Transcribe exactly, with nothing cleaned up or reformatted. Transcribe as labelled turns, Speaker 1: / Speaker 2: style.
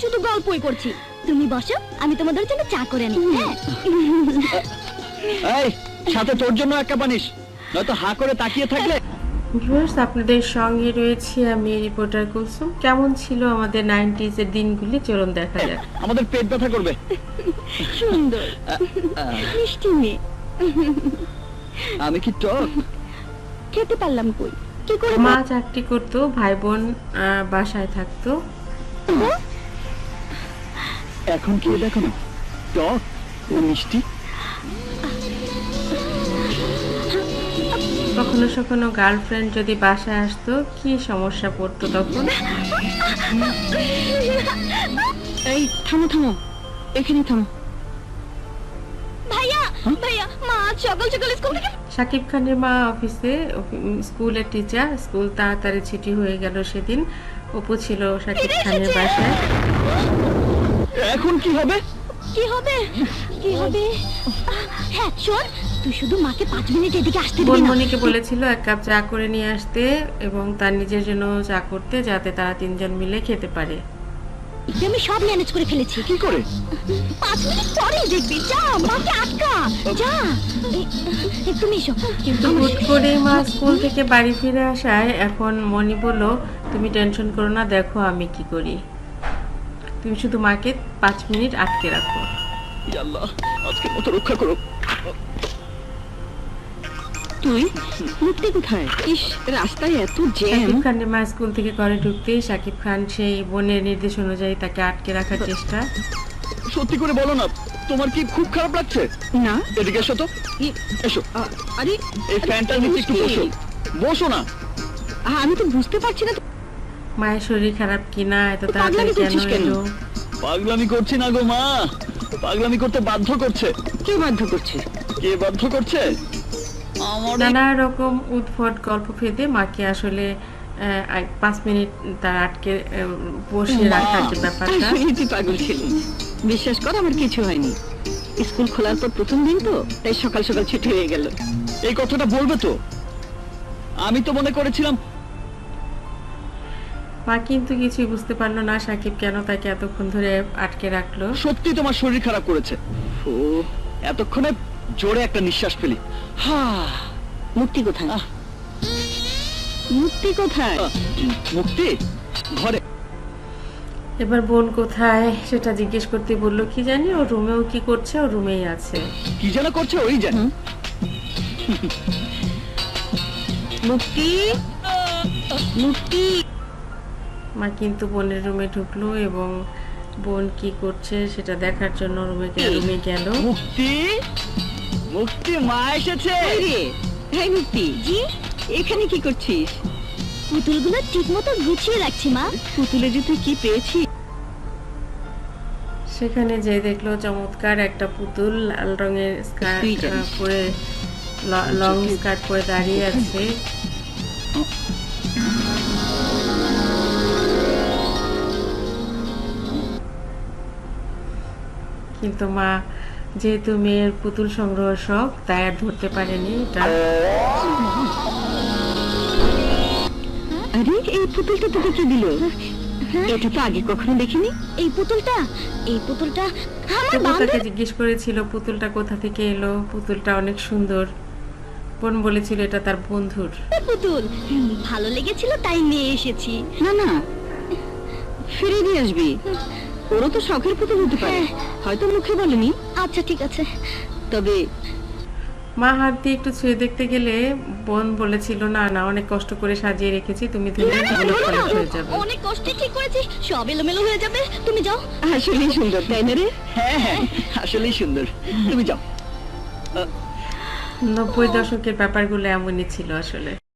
Speaker 1: শুধু গল্পই করছি। তুমি বসো, আমি তোমাদের জন্য চা করে আনি। হ্যাঁ
Speaker 2: এই সাথে তোর জন্য এক কাপ আনিস, নয়তো হা করে তাকিয়ে থাকলে।
Speaker 3: ভিউয়ার্স, আপনাদের সঙ্গে রয়েছি আমি রিপোর্টার কুলসুম। কেমন ছিল আমাদের নাইনটিজ এর দিনগুলি, চলুন দেখা যাক।
Speaker 2: আমাদের পেট ব্যথা করবে।
Speaker 1: সুন্দর মিষ্টি মেয়ে।
Speaker 2: আমি কি টক
Speaker 1: খেতে পারলাম কই, কি করে?
Speaker 3: মা চাকরি করতো, ভাই বোন আহ, বাসায় থাকতো।
Speaker 2: এখন খেয়ে দেখো না, টক না মিষ্টি।
Speaker 3: কখনো কখনো গার্লফ্রেন্ড যদি বাসায় আসতো, কি সমস্যা পড়তো তখন।
Speaker 1: এই থামো থামো, এখানে থামো। ভাইয়া ভাইয়া, মা আজ সকাল সকাল স্কুল থেকে।
Speaker 3: শাকিব খানের মা অফিসে, স্কুলের টিচার। স্কুল তাড়াতাড়ি ছুটি হয়ে গেল সেদিন। অপু ছিল শাকিব খানের বাসায়।
Speaker 2: এখন কি হবে?
Speaker 1: কি হবে কি হবে? হ্যাঁ শোন, তুই শুধু মাকে পাঁচ মিনিট এদিকে আসতে দিবি না।
Speaker 3: বোনমণিকে বলেছিল এক কাপ চা করে নিয়ে আসতে এবং তার নিজের জন্য চা করতে, যাতে তারা তিনজন মিলে খেতে পারে।
Speaker 1: আমি সব ম্যানেজ করে ফেলেছি।
Speaker 2: কি করে?
Speaker 1: পাঁচ মিনিট পরেই দেখবি। যা, মাকে আটকা যা। এই, এই, তুমি এসো।
Speaker 3: কিন্তু হুট করেই মা স্কুল থেকে বাড়ি ফিরে আসায় এখন মনি বলল, তুমি টেনশন করো না, দেখো আমি কি করি। তুমি শুধু মাকে পাঁচ মিনিট আটকে রাখো।
Speaker 2: ইয়া আল্লাহ, আজকের মতো রক্ষা করো।
Speaker 1: তুই মুক্তি কোথায়? ইস, রাস্তায় এত জ্যাম।
Speaker 3: শাকিব খানের মা স্কুল থেকে ঘরে ঢুকতেই শাকিব খান সেই বোনের নির্দেশ অনুযায়ী তাকে আটকে রাখার চেষ্টা।
Speaker 2: সত্যি করে বলো না, তোমার কি খুব খারাপ লাগছে?
Speaker 1: না,
Speaker 2: এদিকে এসো তো, এসো।
Speaker 1: আরে
Speaker 2: এই ফ্যানটার নিচে একটু বসো, বসো না।
Speaker 1: আমি তো বুঝতে পারছি না
Speaker 3: মায়ের শরীর খারাপ কিনা, এত
Speaker 1: তো
Speaker 3: তাড়াতাড়ি
Speaker 1: পাগলামি
Speaker 3: কেন
Speaker 1: করছিস কেন?
Speaker 3: এলো।
Speaker 2: পাগলামি করছি না গো মা, পাগলামি করতে বাধ্য করছে।
Speaker 1: কে বাধ্য করছে?
Speaker 2: কে বাধ্য করছে? আমার এই-
Speaker 3: নানা রকম উদ্ভট গল্প ফেদে মাকে আসলে আহ, এক- পাঁচ মিনিট তার আটকে আহ, বসে রাখার যে ব্যাপারটা।
Speaker 4: আসলে তুই পাগল ছিলি, বিশ্বাস কর আমার কিছু হয়নি। স্কুল খোলার পর প্রথম দিন তো, তাই সকাল সকাল ছুটি হয়ে গেল।
Speaker 2: এই কথাটা বলবে তো? আমি তো মনে করেছিলাম।
Speaker 3: মা কিন্তু কিছুই বুঝতে পারলো না সাকিব কেন তাকে এতক্ষণ ধরে আটকে রাখলো।
Speaker 2: সত্যি তোমার শরীর খারাপ করেছে। ও, এতক্ষণে জোরে একটা নিঃশ্বাস ফেলি। হা,
Speaker 4: মুক্তি কোথায়?
Speaker 2: আহ।
Speaker 4: মুক্তি কোথায়?
Speaker 2: আহ, মুক্তি ঘরে।
Speaker 3: এবার বোন কোথায় সেটা জিজ্ঞেস করতে বললো, কি জানি ও রুমেও কি করছে, ও রুমেই আছে।
Speaker 2: কি যেন করছে ওই জানে।
Speaker 4: মুক্তি, মুক্তি।
Speaker 3: মা কিন্তু বোনের রুমে ঢুকলো এবং বোন কি করছে সেটা দেখার জন্য রুমে রুমে গেল।
Speaker 2: মুক্তি, মুক্তি, মা এসেছে।
Speaker 4: এই রে, এই মুক্তি,
Speaker 1: জি,
Speaker 4: এখানে কি করছিস?
Speaker 1: পুতুলগুলো ঠিক মতো গুছিয়ে রাখছি মা।
Speaker 4: পুতুলে যে তুই কি পেয়েছিস?
Speaker 3: সেখানে যে দেখলো চমৎকার একটা পুতুল লাল রঙের স্কার্ট
Speaker 4: তুই জানিস।
Speaker 3: আহ, পরে ল- লং স্কার্ট পরে দাঁড়িয়ে আছে। কিন্তু মা যেহেতু মেয়ের পুতুল সংগ্রহ শখ, তাই আর ধরতে পারেনি এটা।
Speaker 4: আরে এই পুতুলটা তোকে কি দিল? এটা তো আগে কখনো দেখিনি।
Speaker 1: এই পুতুলটা এই পুতুলটা আমার
Speaker 3: অপু
Speaker 1: বান্ধবী।
Speaker 3: তাকে জিজ্ঞেস করেছিল পুতুলটা কোথা থেকে এলো, পুতুলটা অনেক সুন্দর। বোন বলেছিল এটা তার বন্ধুর।
Speaker 1: পুতুল হুম, ভালো লেগেছিল তাই নিয়ে এসেছি।
Speaker 4: না না, ফিরে দিয়ে আসবি। ওরও তো শখের পুতুল হতে পারে, হয়তো মুখে বলেনি।
Speaker 1: আচ্ছা ঠিক আছে।
Speaker 4: তবে
Speaker 3: মা হাত দিয়ে একটু ছুঁয়ে দেখতে গেলে বোন বলেছিল, না না, অনেক কষ্ট করে সাজিয়ে রেখেছি, তুমি ধরে উলট পালট হয়ে যাবে।
Speaker 1: অনেক কষ্টে ঠিক করেছি, সব এলোমেলো হয়ে যাবে। তুমি যাও।
Speaker 4: আসলেই সুন্দর, তাই না রে?
Speaker 2: হ্যাঁ হ্যাঁ, আসলেই সুন্দর। তুমি যাও।
Speaker 3: নব্বই দশকের ব্যাপারগুলো এমনই ছিল আসলে।